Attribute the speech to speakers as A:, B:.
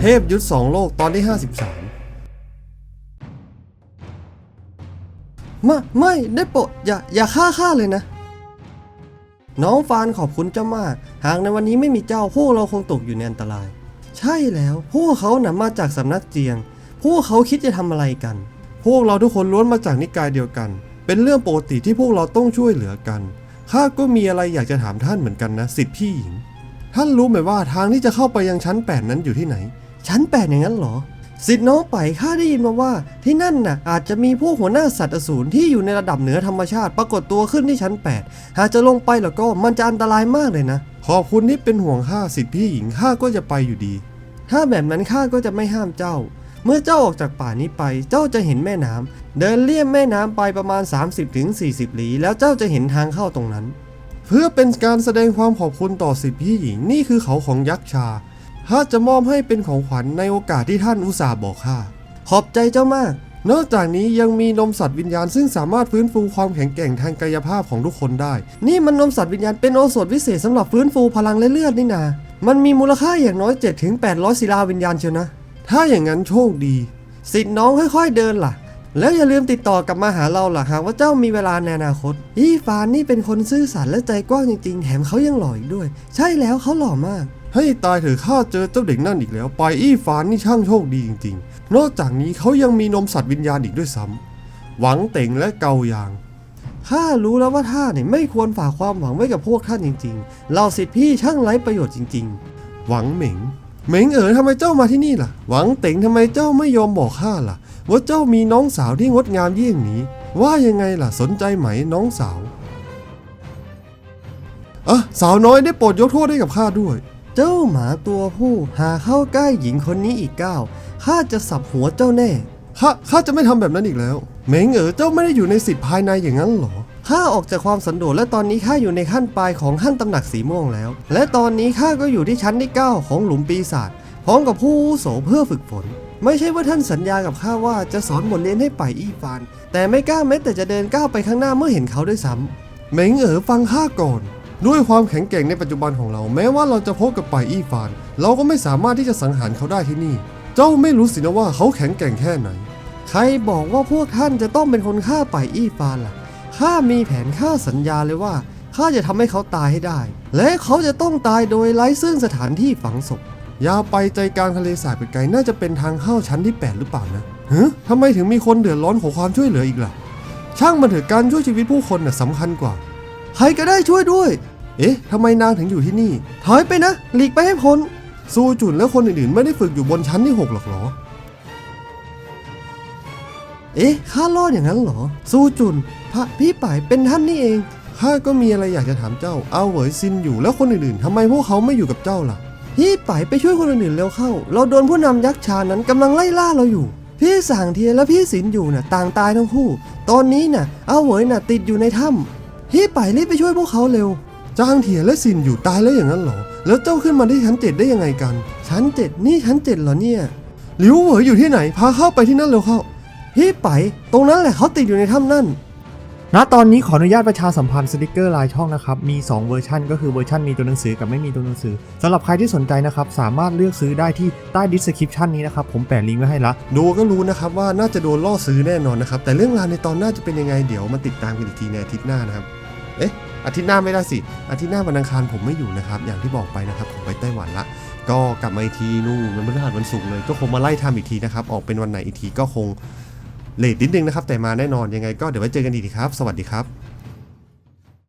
A: เทพยุทธ2โลกตอนที่53ไม่ได้โปรดอย่าฆ่าเลยนะน้องฟานขอบคุณเจ้ามากหากในวันนี้ไม่มีเจ้าพวกเราคงตกอยู่ในอันตรายใช่แล้วพวกเขานำมาจากสำนักเจียงพวกเขาคิดจะทำอะไรกันพวกเราทุกคนล้วนมาจากนิกายเดียวกันเป็นเรื่องปกติที่พวกเราต้องช่วยเหลือกันข้าก็มีอะไรอยากจะถามท่านเหมือนกันนะสิทธิพี่หญิงท่านรู้ไหมว่าทางที่จะเข้าไปยังชั้น8นั้นอยู่ที่ไหนชั้น8อย่างนั้นเหรอสิทธิ์น้องไปข้าได้ยินมาว่าที่นั่นน่ะอาจจะมีพวกหัวหน้าสัตว์อสูรที่อยู่ในระดับเหนือธรรมชาติปรากฏตัวขึ้นที่ชั้น8หากจะลงไปแล้วก็มันจะอันตรายมากเลยนะขอบคุณที่เป็นห่วงข้าสิทธิพี่หญิงข้าก็จะไปอยู่ดีถ้าแบบนั้นข้าก็จะไม่ห้ามเจ้าเมื่อเจ้าออกจากป่านี้ไปเจ้าจะเห็นแม่น้ำเดินเลี่ยมแม่น้ำไปประมาณ 30-40 ลี้แล้วเจ้าจะเห็นทางเข้าตรงนั้นเพื่อเป็นการแสดงความขอบคุณต่อสิทธิพี่หญิงนี่คือเขาของยักษ์ชาข้าจะมอบให้เป็นของขวัญในโอกาสที่ท่านอุตส่าห์บอกข้าขอบใจเจ้ามากนอกจากนี้ยังมีนมสัตว์วิญญาณซึ่งสามารถฟื้นฟูความแข็งแกร่งทางกายภาพของทุกคนได้นี่มันนมสัตว์วิญญาณเป็นโอสถวิเศษสำหรับฟื้นฟูพลังและเลือดนี่นามันมีมูลค่าอย่างน้อย 7-800 ศิลาวิญญาณเชียวนะถ้าอย่างนั้นโชคดีสิทธิ์น้องค่อยๆเดินล่ะแล้วอย่าลืมติดต่อกลับมาหาเราล่ะหากว่าเจ้ามีเวลาในอนาคตอีฟานนี่เป็นคนซื่อสัตย์และใจกว้างจริงๆแถมเขายังหล่ออีกด้วยใช่แล้วเขาหล่อมากให้ตายเถอะข้าเจอเจ้าเด็กนั่นอีกแล้วไปอี้ฟานนี่ช่างโชคดีจริงๆนอกจากนี้เขายังมีนมสัตว์วิญญาณอีกด้วยซ้ำหวังเต่งและเกายางข้ารู้แล้วว่าท่านเนี่ยไม่ควรฝากความหวังไว้กับพวกท่านจริงๆเราสิทธิพี่ช่างไร้ประโยชน์จริงๆหวังเหม็งทำไมเจ้ามาที่นี่ล่ะหวังเต่งทำไมเจ้าไม่ยอมบอกข้าล่ะว่าเจ้ามีน้องสาวที่งดงามเยี่ยงนี้ว่ายังไงล่ะสนใจไหมน้องสาวสาวน้อยได้โปรดยกโทษให้กับข้าด้วยเจ้าหมาตัวผู้หาเข้าใกล้หญิงคนนี้อีกก้าวข้าจะสับหัวเจ้าแน่ข้าจะไม่ทำแบบนั้นอีกแล้วเหม็งเจ้าไม่ได้อยู่ในสิทธิภายในอย่างนั้นหรอข้าออกจากความสันโดษและตอนนี้ข้าอยู่ในขั้นปลายของขั้นตำหนักสีม่วงแล้วและตอนนี้ข้าก็อยู่ที่ชั้นที่9ของหลุมปีศาจพร้อมกับผู้อาวุโสเพื่อฝึกฝนไม่ใช่ว่าท่านสัญญากับข้าว่าจะสอนบทเรียนให้ไปอี้ฟานแต่ไม่กล้าแม้แต่จะเดินก้าวไปข้างหน้าเมื่อเห็นเขาด้วยซ้ำเหม็งฟังข้าก่อนด้วยความแข็งแกร่งในปัจจุบันของเราแม้ว่าเราจะพบกับไปอี้ฟานเราก็ไม่สามารถที่จะสังหารเขาได้ที่นี่เจ้าไม่รู้สินะว่าเขาแข็งแกร่งแค่ไหนใครบอกว่าพวกท่านจะต้องเป็นคนฆ่าไปอี้ฟานล่ะข้ามีแผนข้าสัญญาเลยว่าข้าจะทำให้เขาตายให้ได้และเขาจะต้องตายโดยไร้ซึ่งสถานที่ฝังศพยาวไปใจกลางทะเลสาบไปไกลน่าจะเป็นทางเข้าชั้นที่8หรือเปล่านะทำไมถึงมีคนเดือดร้อนขอความช่วยเหลืออีกล่ะช่างมันเถอะการช่วยชีวิตผู้คนน่ะสำคัญกว่าใครก็ได้ช่วยด้วยทำไมนางถึงอยู่ที่นี่ถอยไปนะหลีกไปให้พ้นซูจุนและคนอื่นๆไม่ได้ฝึกอยู่บนชั้นที่6หรอกหรอข้ารอดอย่างนั้นเหรอซูจุนพระพี่ป่ายเป็นท่านนี่เองข้าก็มีอะไรอยากจะถามเจ้าเอาเหวยซินอยู่แล้วคนอื่นๆทำไมพวกเขาไม่อยู่กับเจ้าล่ะพี่ป่ายไปช่วยคนอื่นๆเร็วเข้าเราโดนผู้นำยักษ์ชานั้นกำลังไล่ล่าเราอยู่พี่สางเทียนและพี่สินอยู่น่ะต่างตายทั้งคู่ตอนนี้น่ะเอาเหวยน่ะติดอยู่ในถ้ำพี่ป่ายรีบไปช่วยพวกเขาเร็วจางเทียนและสินอยู่ตายแล้วอย่างนั้นเหรอแล้วเจ้าขึ้นมาที่ชั้น7ได้ยังไงกันชั้น7นี่ชั้น7เหรอเนี่ยหลิวเหวยอยู่ที่ไหนพาเข้าไปที่นั่นเร็วเข้าพี่ไปตรงนั้นแหละเขาติดอยู่ในถ้ำนั่น
B: ณตอนนี้ขออนุญาตประชาสัมพันธ์สติกเกอร์ลายช่องนะครับมี2เวอร์ชันก็คือเวอร์ชันมีตัวหนังสือกับไม่มีตัวหนังสือสำหรับใครที่สนใจนะครับสามารถเลือกซื้อได้ที่ใต้ดิสคริปชันนี้นะครับผมแปะลิงก์ไว้ให้ละ
A: ดูก็รู้นะครับว่าน่าจะโดนล่อซื้อแน่นอนนะครับแต่เรื่องราวในตอนหน้าจะเป็นยังไงเดี๋ยวมาติดตามกันอีกทีในอาทิตย์หน้านะครับอาทิตย์หน้าไม่ได้สิอาทิตย์หน้าวันอังคารผมไม่อยู่นะครับอย่างที่บอกไปนะครับผมไปไต้หวันละก็กลับมาอีกทีนู่นวันพฤหัสวันศุกร์เลยก็คงมาไล่ทำอีกทีนะครับออกเป็นวันไหนอีกทีก็คงเลทนิดนึงนะครับแต่มาแน่นอนยังไงก็เดี๋ยวไว้เจอกันอีกทีครับสวัสดีครับ